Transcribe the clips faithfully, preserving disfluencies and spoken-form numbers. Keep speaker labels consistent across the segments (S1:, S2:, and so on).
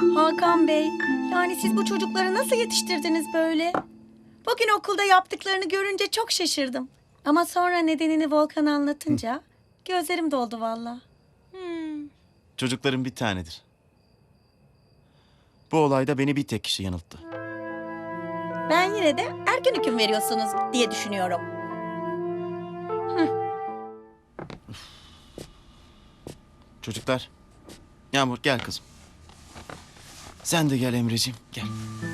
S1: Hakan Bey, yani siz bu çocukları nasıl yetiştirdiniz böyle? Bugün okulda yaptıklarını görünce çok şaşırdım. Ama sonra nedenini Volkan anlatınca gözlerim doldu valla.
S2: Hmm.
S3: Çocukların bir tanedir. Bu olayda beni bir tek kişi yanılttı.
S1: Ben yine de erken hüküm veriyorsunuz diye düşünüyorum.
S3: Çocuklar, Yağmur gel kızım. Sen de gel Emreciğim, gel.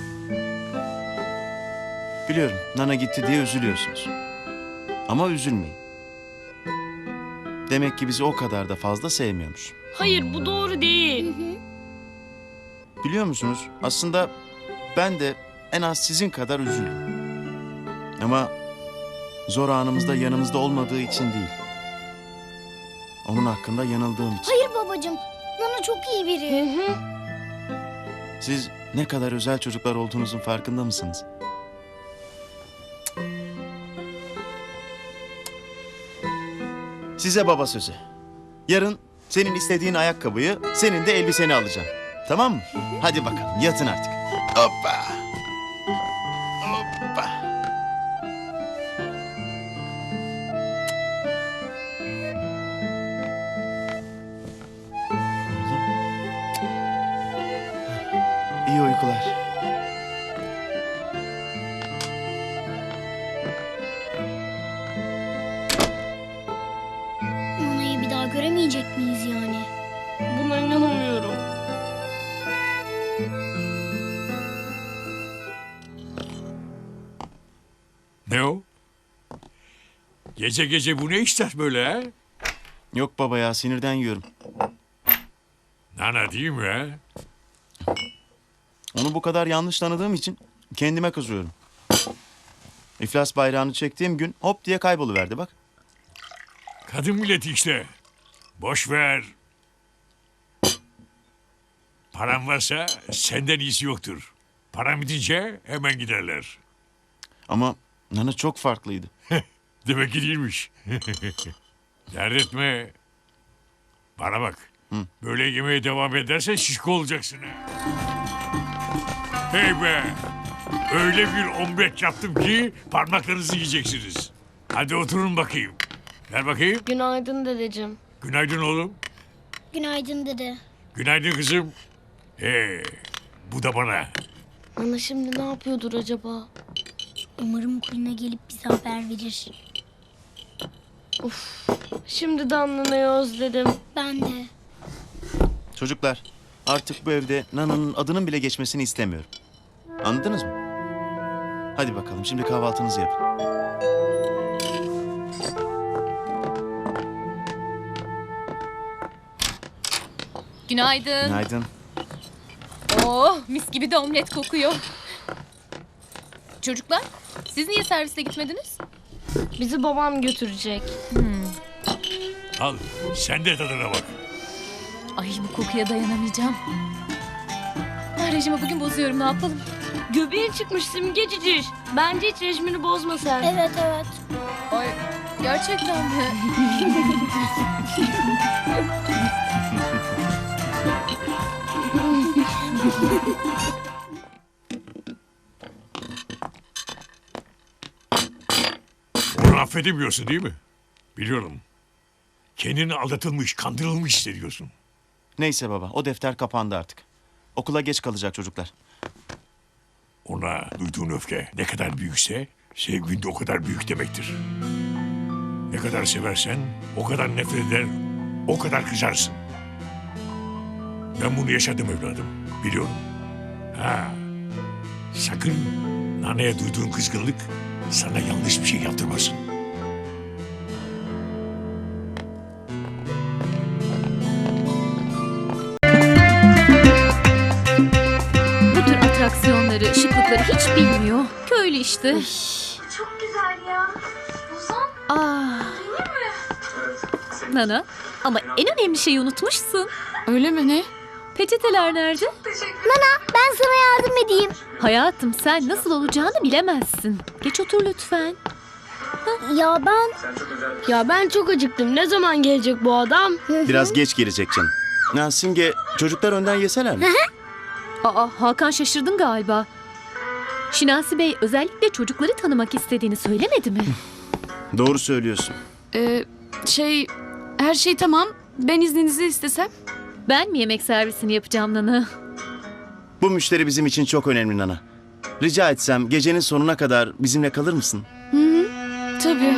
S3: Biliyorum, Nana gitti diye üzülüyorsunuz. Ama üzülmeyin. Demek ki bizi o kadar da fazla sevmiyormuş.
S2: Hayır, bu doğru değil.
S3: Biliyor musunuz, aslında ben de en az sizin kadar üzüldüm. Ama zor anımızda yanımızda olmadığı için değil. Onun hakkında yanıldığım için.
S4: Hayır babacığım. Nana çok iyi biri.
S3: Siz ne kadar özel çocuklar olduğunuzun farkında mısınız? Size baba sözü. Yarın senin istediğin ayakkabıyı, senin de elbiseni alacağım. Tamam mı? Hadi bakalım yatın artık. Hoppa. Hoppa. İyi uykular.
S4: Nana'yı bir daha göremeyecek miyiz yani?
S2: Buna inanamıyorum.
S5: Ne o? Gece gece bu ne işler böyle ha?
S3: Yok baba ya, sinirden yiyorum.
S5: Nana değil mi ha?
S3: Onu bu kadar yanlış tanıdığım için kendime kızıyorum. İflas bayrağını çektiğim gün hop diye kayboluverdi bak.
S5: Kadın milleti işte. Boş ver. Paran varsa senden iyisi yoktur. Param bitince hemen giderler.
S3: Ama Nana çok farklıydı.
S5: Demek ki değilmiş. Dert etme. Bana bak. Böyle yemeye devam edersen şişko olacaksın ha. Hey be. Öyle bir omlet yaptım ki parmaklarınızı yiyeceksiniz. Hadi oturun bakayım. Ver bakayım.
S2: Günaydın dedeciğim.
S5: Günaydın oğlum.
S4: Günaydın dede.
S5: Günaydın kızım. He, bu da bana.
S2: Nana şimdi ne yapıyordur acaba?
S4: Umarım Kulina gelip bize haber verir.
S2: Şimdiden Nana'yı özledim.
S4: Ben de.
S3: Çocuklar, artık bu evde Nana'nın adının bile geçmesini istemiyorum. Anladınız mı? Hadi bakalım, şimdi kahvaltınızı yapın.
S6: Günaydın.
S3: Günaydın.
S6: Oh, mis gibi de omlet kokuyor. Çocuklar, siz niye serviste gitmediniz?
S2: Bizi babam götürecek.
S5: Al, sen de tadına bak.
S6: Ay bu kokuya dayanamayacağım. Ben rejimi bugün bozuyorum, ne yapalım?
S2: Göbeğin çıkmış simgecidir. Bence hiç rejimini bozma sen.
S4: Evet evet.
S6: Ay gerçekten mi?
S5: Onu affedemiyorsun değil mi? Biliyorum. Kendini aldatılmış, kandırılmış hissediyorsun.
S3: Neyse baba, o defter kapandı artık. Okula geç kalacak çocuklar.
S5: Ona duyduğun öfke ne kadar büyükse sevgin de o kadar büyük demektir. Ne kadar seversen o kadar nefret eder, o kadar kızarsın. Ben bunu yaşadım evladım, biliyorum. Ha, sakın Nana'ya duyduğun kızgınlık sana yanlış bir şey yaptırmasın.
S6: Bu tür atraksiyonları, şıklıkları hiç bilmiyor. Köylü işte.
S7: Çok güzel ya. Ozan,
S6: Ah,
S7: değil mi?
S6: Nana. Ama en önemli şeyi unutmuşsun.
S2: Öyle mi ne?
S6: Peçeteler nerede?
S7: Teşekkür
S4: Ben sana yardım edeyim.
S6: Hayatım sen nasıl olacağını bilemezsin. Geç otur lütfen.
S4: Ya ben...
S2: Ya ben çok acıktım. Ne zaman gelecek bu adam?
S3: Biraz geç gelecek canım. Ya Simge, çocuklar önden yeseler mi?
S6: Aa, Hakan şaşırdın galiba. Şinasi Bey özellikle çocukları tanımak istediğini söylemedi mi?
S3: Doğru söylüyorsun.
S2: Ee, şey, her şey tamam. Ben izninizi istesem.
S6: Ben mi yemek servisini yapacağım Nana?
S3: Bu müşteri bizim için çok önemli Nana. Rica etsem gecenin sonuna kadar bizimle kalır mısın?
S2: Tabii.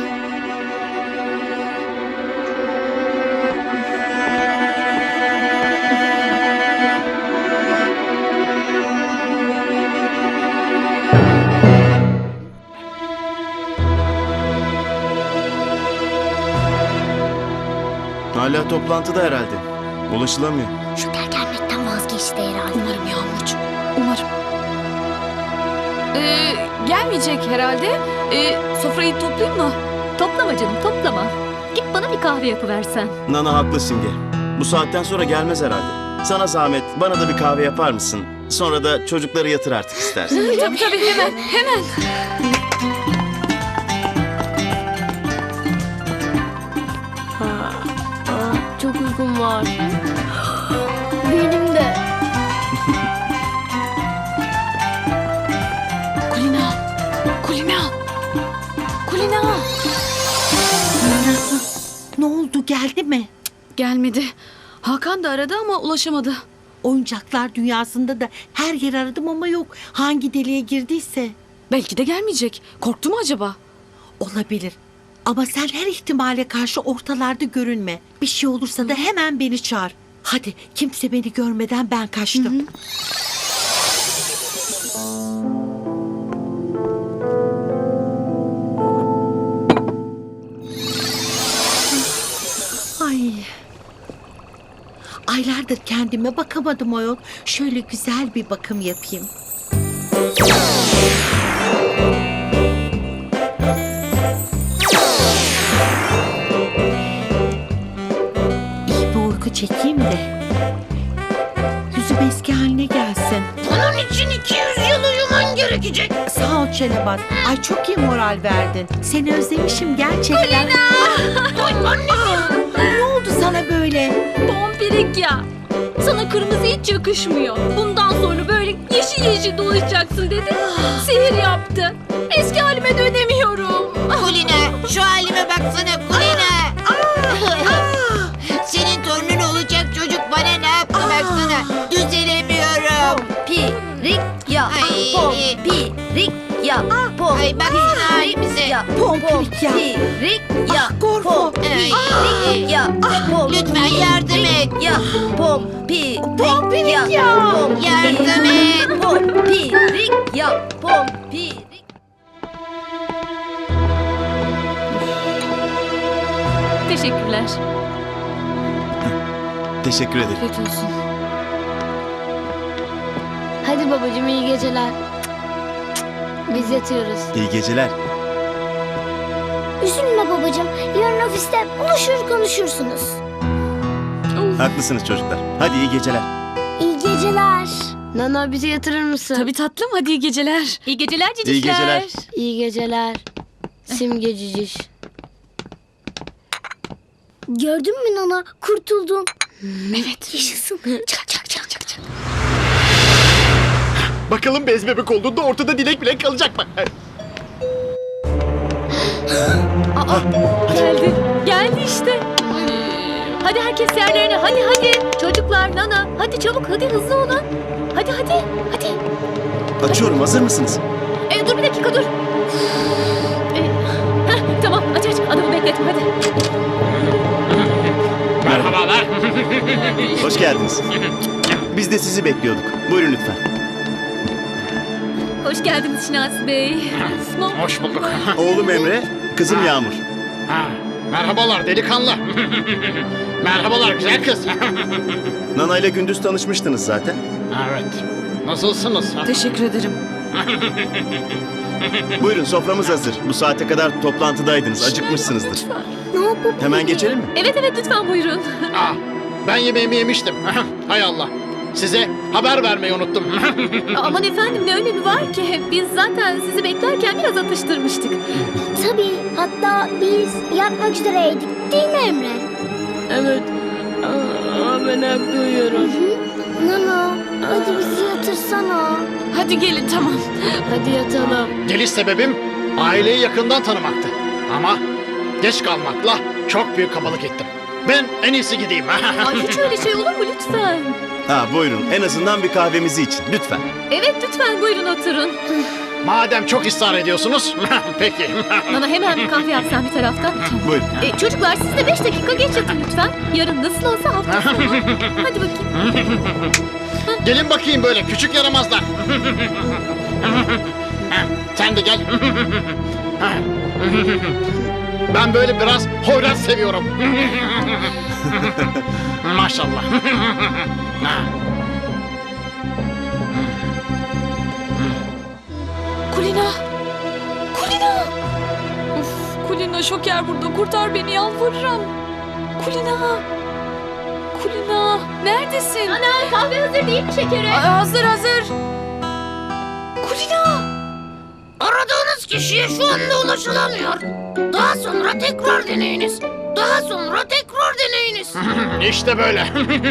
S3: Hala toplantıda herhalde. Ulaşılamıyor.
S4: Şoker gelmekten vazgeçti herhalde.
S2: Umarım Yağmurcuğum. Umarım. Ee, gelmeyecek herhalde. Ee, sofrayı toplayayım mı?
S6: Toplama canım, toplama. Git bana bir kahve yapıversen.
S3: Nana haklı Simge. Bu saatten sonra gelmez herhalde. Sana zahmet bana da bir kahve yapar mısın? Sonra da çocukları yatır artık istersen.
S2: Tabii tabii hemen hemen.
S4: Çok uykum var. Benim de.
S2: Kulina. Kulina. Kulina.
S8: Ne oldu, geldi mi?
S2: Gelmedi. Hakan da aradı ama ulaşamadı.
S8: Oyuncaklar dünyasında da her yer aradım ama yok. Hangi deliğe girdiyse.
S2: Belki de gelmeyecek. Korktu mu acaba?
S8: Olabilir. Ama sen her ihtimale karşı ortalarda görünme. Bir şey olursa da hemen beni çağır. Hadi kimse beni görmeden ben kaçtım. Ay. Aylardır kendime bakamadım ayol. Şöyle güzel bir bakım yapayım. İyi bir uyku çekeyim de yüzüm eski haline gelsin.
S4: Bunun için iki yüz yıl uyuman gerekecek.
S8: Sağ ol Çelebat. Ay çok iyi moral verdin. Seni özlemişim gerçekten. Kulina! Ne oldu sana böyle?
S6: Pompirik ya. Sana kırmızı hiç yakışmıyor. Bundan sonra böyle yeşil yeşil dolaşacaksın dedi. Sihir yaptı. Eski halime dönemiyorum.
S9: Kulina, şu halime baksana Kulina. Senin torunun olacak çocuk bana ne yaptı baksana. Düzelemiyorum.
S4: Pirik ya.
S9: Ay.
S4: Pompirik ya.
S9: Ay baksana halimize.
S8: Pompirik ya.
S4: Pirik ya.
S8: Gorfo.
S4: Pirik ya.
S9: Lütfen yardım et.
S4: Ya. Pompirik
S8: Pompirik ya.
S9: Yardım et.
S4: Pompirik ya. Pompirik.
S6: Teşekkürler.
S3: Teşekkür ederim.
S2: Afiyet olsun.
S4: Hadi babacığım iyi geceler. Biz yatıyoruz.
S3: İyi geceler.
S4: Üzülme babacığım. Yarın ofiste buluşur konuşursunuz.
S3: Haklısınız çocuklar. Hadi iyi geceler.
S4: İyi geceler. Nana bizi yatırır mısın?
S2: Tabii tatlım, hadi iyi geceler.
S6: İyi geceler cicişler.
S3: İyi geceler.
S4: İyi geceler. Simge ciciş. Gördün mü Nana? Kurtuldun.
S2: Evet.
S4: Yaşasın. Çak çak çak çak çak.
S10: Bakalım bez bebek olduğunda ortada dilek bile kalacak mı?
S6: Geldi. Geldi işte. Hadi herkes yerlerine. Hadi hadi. Çocuklar, Nana. Hadi çabuk. Hadi hızlı olun. Hadi hadi. Hadi.
S3: Açıyorum, hazır mısınız?
S6: E, dur bir dakika dur. E, heh, tamam aç aç. Adamı bekletme hadi.
S10: Merhabalar.
S3: Hoş geldiniz. Biz de sizi bekliyorduk. Buyurun lütfen.
S6: Hoş geldiniz Şinasi Bey.
S10: Hoş bulduk.
S3: Oğlum Emre, kızım Yağmur.
S10: Ha, merhabalar delikanlı. Merhabalar güzel kız.
S3: Nana ile gündüz tanışmıştınız zaten.
S10: Evet. Nasılsınız?
S2: Teşekkür ederim.
S3: Buyurun, soframız hazır. Bu saate kadar toplantıdaydınız. Acıkmışsınızdır.
S4: Ne yapalım?
S3: Hemen geçelim mi?
S6: Evet evet lütfen buyurun.
S10: Ah, ben yemeğimi yemiştim. Hay Allah. Size haber vermeyi unuttum.
S6: Aman efendim ne önemi var ki? Biz zaten sizi beklerken biraz atıştırmıştık.
S4: Tabii. Hatta biz yatmak üzereydik. Değil mi Emre?
S2: Evet. Aa, ben hep duyuyorum.
S4: Nana hadi bizi yatırsana. yatsana.
S2: Hadi gelin tamam.
S6: Hadi yatalım.
S10: Geliş sebebim aileyi yakından tanımaktı. Ama geç kalmakla çok büyük kabalık ettim. Ben en iyisi gideyim.
S6: Ay hiç öyle şey olur mu lütfen?
S11: Ha buyurun en azından bir kahvemizi için lütfen.
S6: Evet lütfen buyurun oturun.
S10: Madem çok ısrar ediyorsunuz, peki.
S6: Bana hemen bir kahve yapsan bir tarafta.
S11: Buyurun.
S6: E, çocuklar siz de beş dakika geç yatın lütfen. Yarın nasıl olsa hafta sonu. Hadi bakayım.
S10: Gelin bakayım böyle küçük yaramazlar. Sen de gel. Ben böyle biraz hoyrat seviyorum. Maşallah.
S2: Kulina. Kulina. Of Kulina Şoker burada. Kurtar beni yalvarırım. Kulina. Kulina. Neredesin?
S6: Ana kahve hazır değil mi şekeri?
S2: Aa, hazır hazır. Kulina.
S9: Aradığınız kişiye şu anda ulaşılamıyor. Daha sonra tekrar deneyiniz. Daha sonra tekrar deneyiniz.
S10: İşte böyle.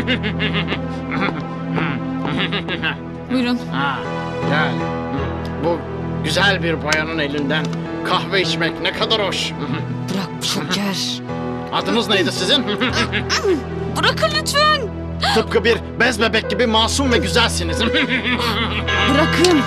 S2: Buyurun.
S10: Ha, gel. Bu güzel bir bayanın elinden kahve içmek ne kadar hoş.
S2: Bırak Şoker.
S10: Adınız neydi sizin?
S2: Bırakın lütfen.
S10: Tıpkı bir bez bebek gibi masum ve güzelsiniz.
S2: Bırakın.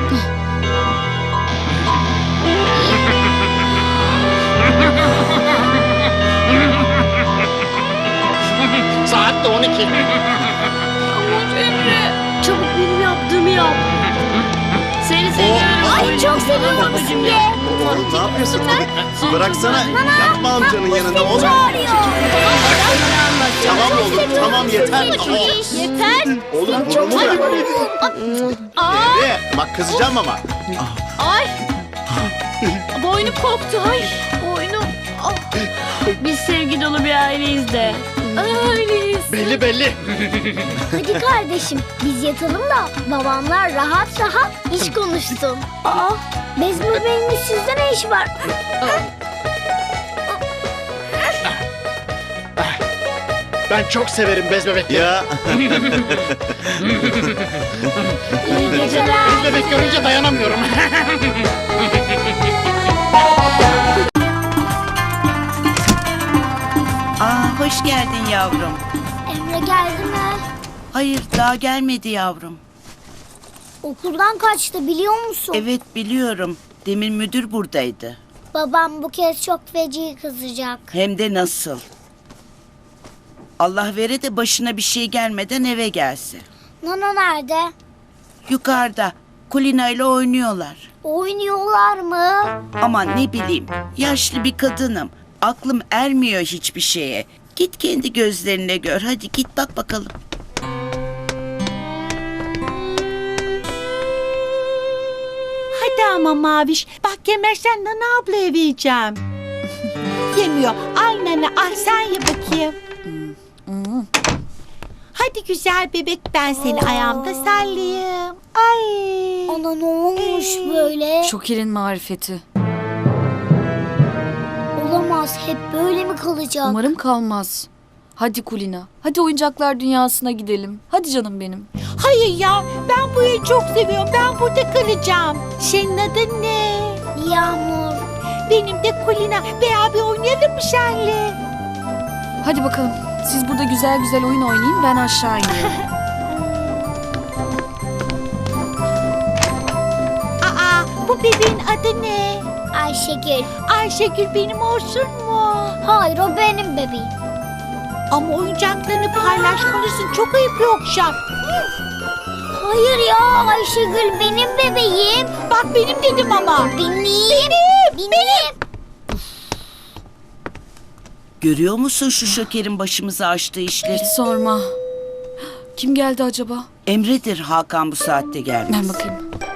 S10: Saat de on iki.
S2: Aman Emre.
S4: Çabuk benim yaptığımı yap.
S6: Seni seviyorum.
S4: Ay çok seviyorum Simge.
S11: Oğlum ne yapıyorsun? Bıraksana. Yapma amcanın yanında oğlum.
S4: Çağırıyor.
S11: Tamam oğlum tamam yeter.
S6: Yeter.
S11: Oğlum burnumu bırak. Emre bak kızacağım ama.
S6: Ay. Boynum koptu. Ay. Boynum. Ah. Biz sevgi dolu bir aileyiz de. Öyleyiz.
S10: Belli belli.
S4: Hadi kardeşim biz yatalım da babamlar rahat rahat iş konuşsun. Aa, bez bebeğinin sizde ne iş var?
S10: Ben çok severim bez bebekleri.
S11: Ya
S4: İyi geceler.
S10: Bez bebek görünce dayanamıyorum.
S12: Aa, hoş geldin yavrum.
S4: Emre geldi mi?
S12: Hayır, daha gelmedi yavrum.
S4: Okuldan kaçtı biliyor musun?
S12: Evet, biliyorum. Demin müdür buradaydı.
S4: Babam bu kez çok feci kızacak.
S12: Hem de nasıl. Allah vere de başına bir şey gelmeden eve gelsin.
S4: Nana nerede?
S12: Yukarıda Kulina ile oynuyorlar.
S4: Oynuyorlar mı?
S12: Aman ne bileyim, yaşlı bir kadınım. Aklım ermiyor hiçbir şeye. Git kendi gözlerine gör. Hadi git bak bakalım.
S8: Hadi ama Maviş. Bak yemezsen Nana ablaya vereceğim. Yemiyor. Aynen al sen ye bakayım. Hadi güzel bebek ben seni ayağımda sallayayım. Ay.
S4: Ana ne olmuş böyle?
S2: Şoker'in marifeti.
S4: Olamaz hep böyle mi kalacak?
S2: Umarım kalmaz. Hadi Kulina. Hadi oyuncaklar dünyasına gidelim. Hadi canım benim.
S8: Hayır ya ben bu evi çok seviyorum. Ben burada kalacağım. Senin adın ne?
S4: Yağmur.
S8: Benim de Kulina. Beraber oynayalım mı senle?
S2: Hadi bakalım. Siz burada güzel güzel oyun oynayın. Ben aşağı iniyorum.
S8: Aa bu bebeğin adı ne?
S4: Ayşegül.
S8: Ayşegül benim olsun mu?
S4: Hayır o benim bebeğim.
S8: Ama oyuncaklarını paylaşmalısın. Çok ayıp yoksa.
S4: Hayır ya Ayşegül benim bebeğim.
S8: Bak benim dedim ama.
S4: Benim. Benim. Benim.
S12: Görüyor musun şu Şoker'in başımıza açtığı işleri?
S2: Hiç sorma. Kim geldi acaba?
S12: Emre'dir Hakan bu saatte gelmez.
S2: Ben bakayım.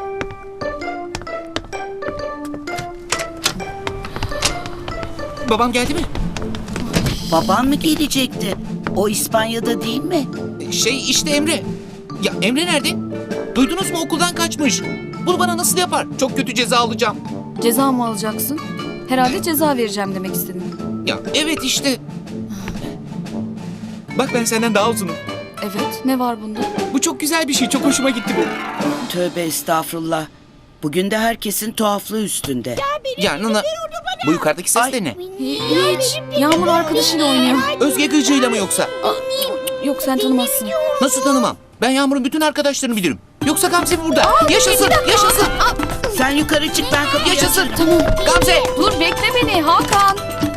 S13: Babam geldi mi?
S12: Baban mı gelecekti? O İspanya'da değil mi?
S13: Şey işte Emre. Ya Emre nerede? Duydunuz mu okuldan kaçmış. Bunu bana nasıl yapar? Çok kötü ceza alacağım.
S2: Ceza mı alacaksın? Herhalde ceza vereceğim demek istedin.
S13: Ya evet işte. Bak ben senden daha uzunum.
S2: Evet, ne var bunda?
S13: Bu çok güzel bir şey. Çok hoşuma gitti bu.
S12: Tövbe estağfurullah. Bugün de herkesin tuhaflığı üstünde.
S13: Ya Nana, bu yukarıdaki ses de ne?
S2: Hiç. Yağmur arkadaşıyla oynuyor.
S13: Özge Gıcı'yla mı yoksa?
S2: Yok sen tanımazsın.
S13: Nasıl tanımam? Ben Yağmur'un bütün arkadaşlarını bilirim. Yoksa Gamze mi burada? Yaşasın, yaşasın.
S12: Sen yukarı çık, ben kapıyı
S13: Yaşasın.
S12: açarım.
S2: Tamam.
S13: Gamze.
S2: Dur bekle beni Hakan.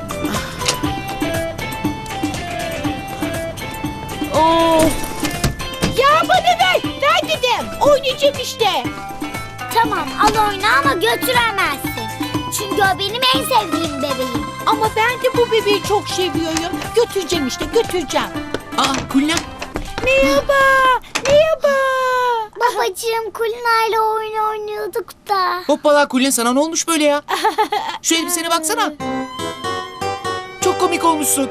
S8: Ya bana ver. Ver dedim. Oynayacağım işte.
S4: Tamam al oyna ama götüremezsin. Çünkü o benim en sevdiğim bebeğim.
S8: Ama ben de bu bebeği çok seviyorum. Götüreceğim işte götüreceğim.
S13: Aa Kulina.
S8: Merhaba. Merhaba.
S4: Babacığım Kulina ile oyun oynuyorduk da.
S13: Hoppala Kulina, sana ne olmuş böyle ya? Şu elbisene baksana. Çok komik olmuşsun.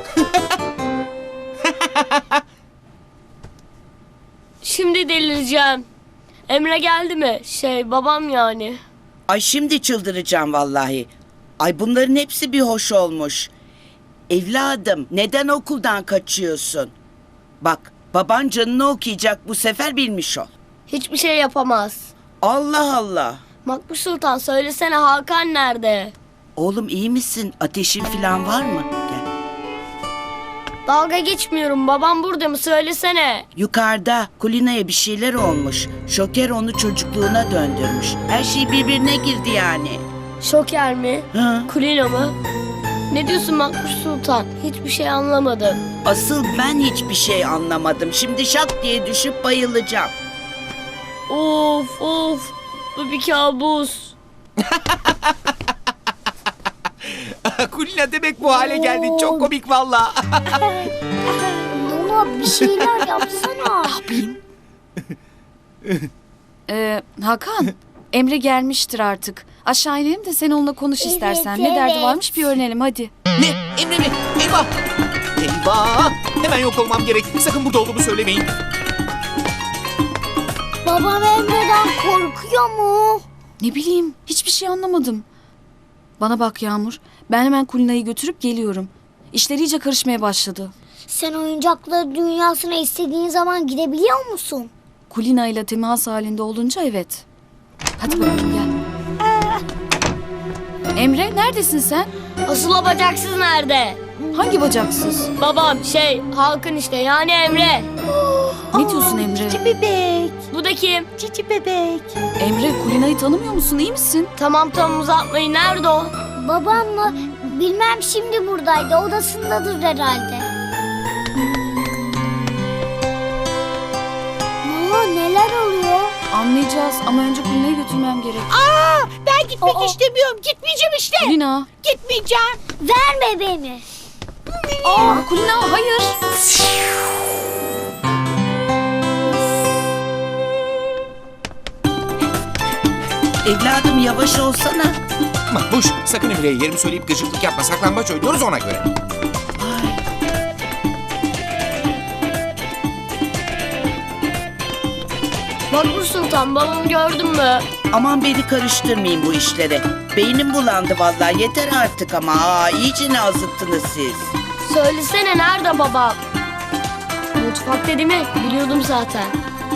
S6: Şimdi delireceğim. Emre geldi mi? Şey babam yani.
S12: Ay şimdi çıldıracağım vallahi. Ay bunların hepsi bir hoş olmuş. Evladım neden okuldan kaçıyorsun? Bak baban canını okuyacak bu sefer, bilmiş ol.
S6: Hiçbir şey yapamaz.
S12: Allah Allah.
S6: Makbuş Sultan söylesene Hakan nerede?
S12: Oğlum iyi misin? Ateşin falan var mı? Gel.
S6: Dalga geçmiyorum. Babam burada mı? Söylesene.
S12: Yukarıda Kulina'ya bir şeyler olmuş. Şoker onu çocukluğuna döndürmüş. Her şey birbirine girdi yani.
S6: Şoker mi?
S12: Hı.
S6: Kulina mı? Ne diyorsun Makbuş Sultan? Hiçbir şey anlamadım.
S12: Asıl ben hiçbir şey anlamadım. Şimdi şak diye düşüp bayılacağım.
S6: Of of. Bu bir kabus.
S13: Kulina demek bu hale geldin. Çok komik valla.
S4: Nana bir şeyler yapsana.
S2: Ee, Hakan, Emre gelmiştir artık. Aşağı inelim de sen onunla konuş
S4: Evet,
S2: istersen. Ne derdi
S4: evet.
S2: varmış bir öğrenelim hadi.
S13: Ne? Emre mi? Eyvah. Eyvah. Hemen yok olmam gerek. Sakın burada olduğumu söylemeyin.
S4: Babam Emre'den korkuyor mu?
S2: Ne bileyim, hiçbir şey anlamadım. Bana bak Yağmur, ben hemen Kulina'yı götürüp geliyorum. İşler iyice karışmaya başladı.
S4: Sen oyuncaklar dünyasına istediğin zaman gidebiliyor musun?
S2: Kulina ile temas halinde olunca evet. Hadi bakalım gel. Emre neredesin sen?
S6: Asıl o bacaksız nerede?
S2: Hangi bacaksız?
S6: Babam şey Hakan işte yani Emre.
S2: Ne diyorsun Emre?
S8: Cici bebek.
S6: Bu da kim?
S8: Cici bebek.
S2: Emre Kulina'yı tanımıyor musun, iyi misin?
S6: Tamam tamam uzatmayın. Nerede o?
S4: Babam mı? Bilmem, şimdi buradaydı. Odasındadır herhalde. Aa, neler oluyor?
S2: Anlayacağız ama önce Kulina'yı götürmem gerek.
S8: Aa, ben gitmek
S4: Aa.
S8: istemiyorum. Gitmeyeceğim işte.
S2: Kulina.
S8: Gitmeyeceğim.
S4: Ver bebeğimi.
S2: Aa, Kulina hayır.
S12: Evladım yavaş olsana.
S13: Makbuş, sakın Emre'ye yerimi söyleyip gıcıklık yapma. Saklambaç oynuyoruz ona göre.
S6: Makbuş Sultan babamı gördün mü?
S12: Aman beni karıştırmayın bu işlere. Beynim bulandı vallahi, yeter artık ama. Aa, iyice azıttınız siz.
S6: Söylesene nerede babam? Mutfak dedi mi? Biliyordum zaten.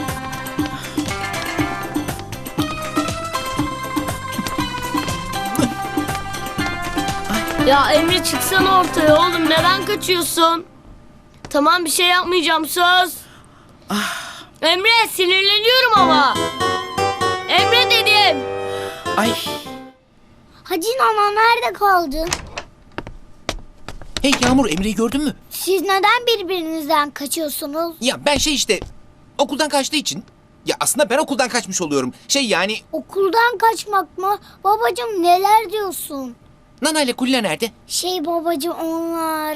S6: Ya Emre çıksana ortaya oğlum, neden kaçıyorsun? Tamam bir şey yapmayacağım, söz. Emre sinirleniyorum ama. Emre dedim.
S12: Ay.
S4: Hacı Nana nerede kaldın?
S13: Hey Yağmur, Emre'yi gördün mü?
S4: Siz neden birbirinizden kaçıyorsunuz?
S13: Ya ben şey işte okuldan kaçtığı için. Ya aslında ben okuldan kaçmış oluyorum. Şey yani
S4: Okuldan kaçmak mı? Babacığım neler diyorsun?
S13: Nana ile Kulina nerede?
S4: Şey babacığım onlar...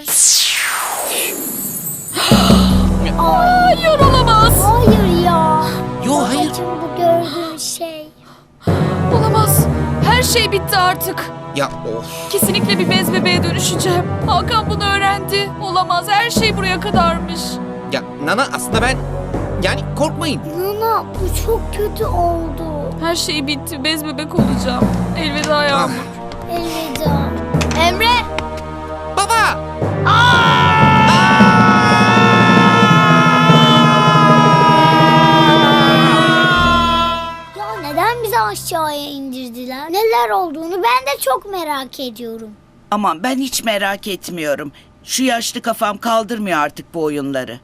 S2: Hayır olamaz.
S4: Hayır ya.
S13: Yo hayır.
S4: Babacığım bu gördüğün şey.
S2: Olamaz. Her şey bitti artık.
S13: Ya of.
S2: Kesinlikle bir bez bebeğe dönüşeceğim. Hakan bunu öğrendi. Olamaz, her şey buraya kadarmış.
S13: Ya Nana aslında ben yani korkmayın.
S4: Nana bu çok kötü oldu.
S2: Her şey bitti, bez bebek olacağım. Elveda Yağmur.
S4: Elveda. Emre.
S13: Baba!
S4: aşağıya indirdiler? Neler olduğunu ben de çok merak ediyorum.
S12: Aman ben hiç merak etmiyorum. Şu yaşlı kafam kaldırmıyor artık bu oyunları.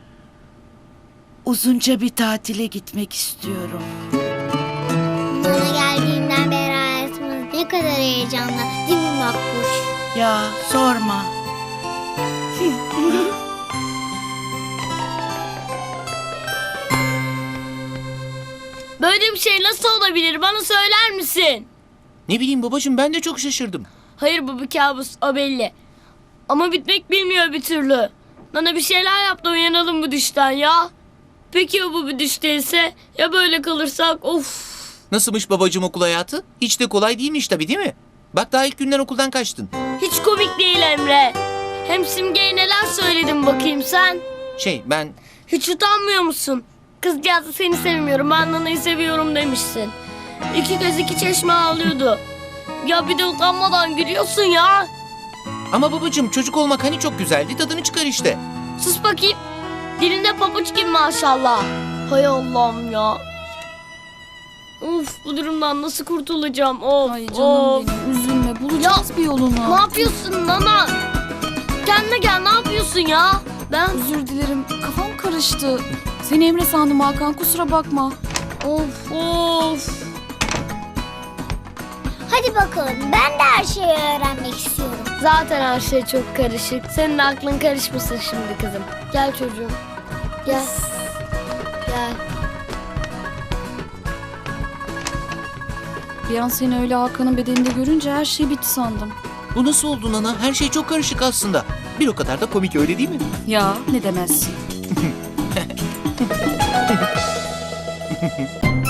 S12: Uzunca bir tatile gitmek istiyorum.
S4: Nana geldiğinden beri hayatımız ne kadar heyecanlı, değil mi Makbuş?
S12: Ya sorma.
S6: Böyle bir şey nasıl olabilir? Bana söyler misin?
S13: Ne bileyim babacığım, ben de çok şaşırdım.
S6: Hayır bu bir kabus, o belli. Ama bitmek bilmiyor bir türlü. Bana bir şeyler yap da uyanalım bu düşten ya. Peki ya bu bir düş değilse? Ya böyle kalırsak? Of.
S13: Nasılmış babacığım okul hayatı? Hiç de kolay değilmiş tabii, değil mi? Bak daha ilk günden okuldan kaçtın.
S6: Hiç komik değil Emre. Hem Simge'ye neler söyledin bakayım sen?
S13: Şey ben...
S6: Hiç utanmıyor musun? Kızcağızı seni sevmiyorum, ben Nana'yı seviyorum demişsin. İki göz iki çeşme ağlıyordu. Ya bir de utanmadan gülüyorsun ya.
S13: Ama babacığım çocuk olmak hani çok güzeldi, tadını çıkar işte.
S6: Sus bakayım. Dilinde pabuç gibi maşallah. Hay Allah'ım ya. Of bu durumdan nasıl kurtulacağım? Of
S2: Ay canım
S6: of.
S2: benim, üzülme, bulacağız bir yolunu.
S6: Ne yapıyorsun Nana? Kendine gel, ne yapıyorsun ya? Ben
S2: Özür dilerim, kafam karıştı. Seni Emre sandım Hakan, kusura bakma.
S6: of of.
S4: Hadi bakalım, ben de her şeyi öğrenmek istiyorum.
S6: Zaten her şey çok karışık. Senin de aklın karışmasın şimdi kızım. Gel çocuğum. Gel. Gel.
S2: Bir an seni öyle Hakan'ın bedeninde görünce her şey bitti sandım.
S13: Bu nasıl oldu Nana? Her şey çok karışık aslında. Bir o kadar da komik, öyle değil mi?
S2: Ya ne demezsin.